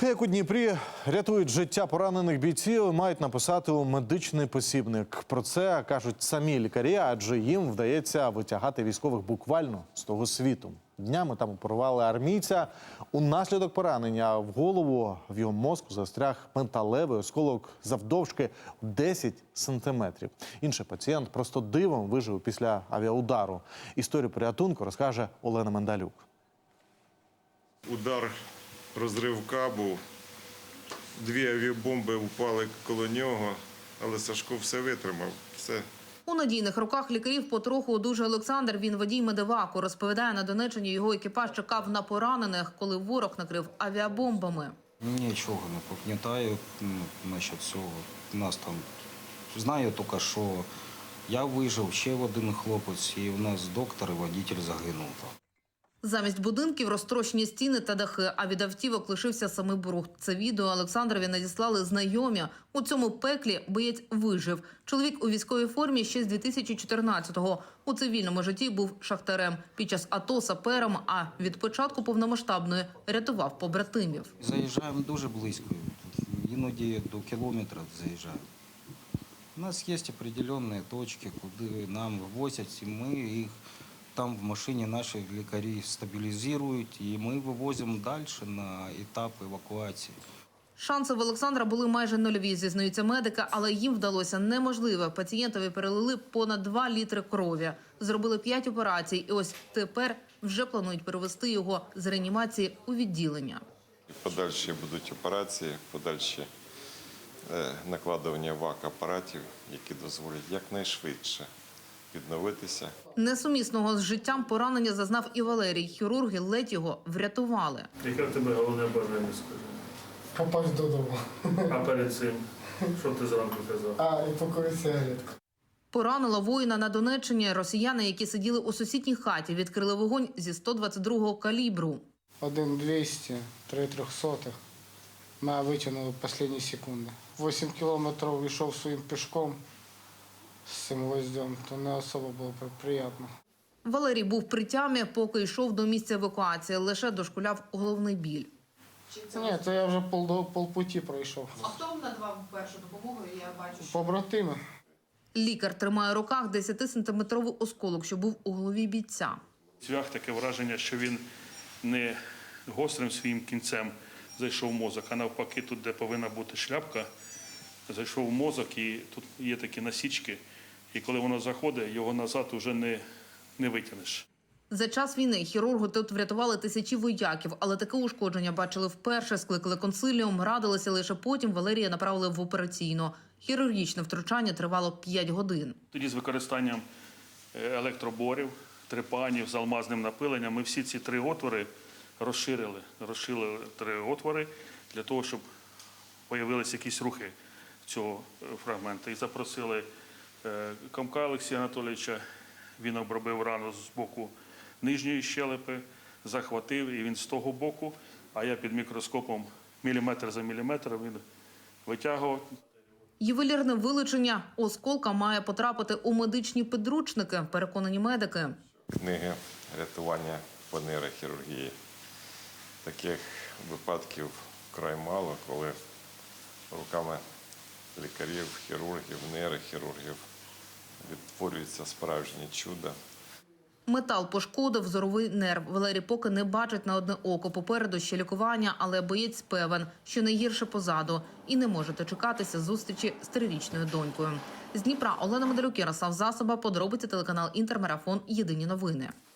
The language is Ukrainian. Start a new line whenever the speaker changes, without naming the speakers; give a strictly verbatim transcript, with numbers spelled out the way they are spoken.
Те, як у Дніпрі рятують життя поранених бійців, мають написати у медичний посібник. Про це кажуть самі лікарі, адже їм вдається витягати військових буквально з того світу. Днями там оперували армійця. Унаслідок поранення в голову в його мозку застряг металевий осколок завдовжки десять сантиметрів. Інший пацієнт просто дивом вижив після авіаудару. Історію порятунку розкаже Олена Мендалюк.
Удар, розрив кабу, дві авіабомби впали коло нього, але Сашко все витримав, все.
У надійних руках лікарів потроху одужує Олександр. Він водій медеваку. Розповідає, на Донеччині його екіпаж чекав на поранених, коли ворог накрив авіабомбами.
Нічого не пам'ятаю насчет цього. Нас там знаю тільки, що я вижив, ще один хлопець, і у нас доктор і водій загинув.
Замість будинків розтрощені стіни та дахи, а від автівок лишився самий брухт. Це відео Олександрові надіслали знайомі. У цьому пеклі боєць вижив. Чоловік у військовій формі ще з дві тисячі чотирнадцятого. У цивільному житті був шахтарем. Під час АТО сапером, а від початку повномасштабної рятував побратимів.
Заїжджаємо дуже близько, іноді до кілометра заїжджаємо. У нас є определенні точки, куди нам вивозять, і ми їх там в машині наші лікарі стабілізують, і ми вивозимо далі на етап евакуації.
Шанси в Олександра були майже нульові, зізнаються медики, але їм вдалося неможливе. Пацієнтові перелили понад два літри крові. Зробили п'ять операцій, і ось тепер вже планують перевести його з реанімації у відділення.
Подальші будуть операції, подальші накладування вак-апаратів, які дозволять якнайшвидше відновитися.
Несумісного з життям поранення зазнав і Валерій. Хірурги ледь його врятували.
Яке в тебе головне бажання, скажи?
Попасть додому.
А перед цим, що ти зранку казав?
А, і покурити сигаретку.
Поранило воїна на Донеччині. Росіяни, які сиділи у сусідній хаті, відкрили вогонь зі сто двадцять другого калібру.
Один двісті, три трьохсотих. Ми витягнули останні секунди. Вісім кілометрів йшов своїм пішком з цим гвоздем, то не особо було приємно.
Валерій був при тямі, поки йшов до місця евакуації. Лише дошкуляв головний біль.
Ні, то я вже пол, полпуті пройшов.
А хто вам надавав першу допомогу, я бачу?
Побратими.
Лікар тримає в руках десятисантиметровий осколок, що був у голові бійця.
Цвях таке враження, що він не гострим своїм кінцем зайшов в мозок, а навпаки, тут, де повинна бути шляпка, зайшов в мозок, і тут є такі насічки, і коли воно заходить, його назад вже не, не витягнеш.
За час війни хірурги тут врятували тисячі вояків, але таке ушкодження бачили вперше, скликали консиліум, радилися, лише потім Валерія направили в операційну. Хірургічне втручання тривало п'ять годин.
Тоді з використанням електроборів, трепанів з алмазним напиленням ми всі ці три отвори розширили. Розширили три отвори для того, щоб з'явилися якісь рухи цього фрагменту. І запросили Комка Олексія Анатолійовича, він обробив рану з боку нижньої щелепи, захватив, і він з того боку, а я під мікроскопом міліметр за міліметром він витягував.
Ювелірне вилучення осколка має потрапити у медичні підручники, переконані медики.
Книги рятування по нейрохірургії. Таких випадків вкрай мало, коли руками лікарів, хірургів, нейрохірургів відтворюється справжнє чудо.
Метал пошкодив зоровий нерв. Валерій поки не бачить на одне око. Попереду ще лікування, але боєць певен, що найгірше позаду. І не може дочекатися зустрічі з трирічною донькою. З Дніпра Олена Мендалюк, Ярослав Засоба, подробиці телеканал Інтермарафон. Єдині новини.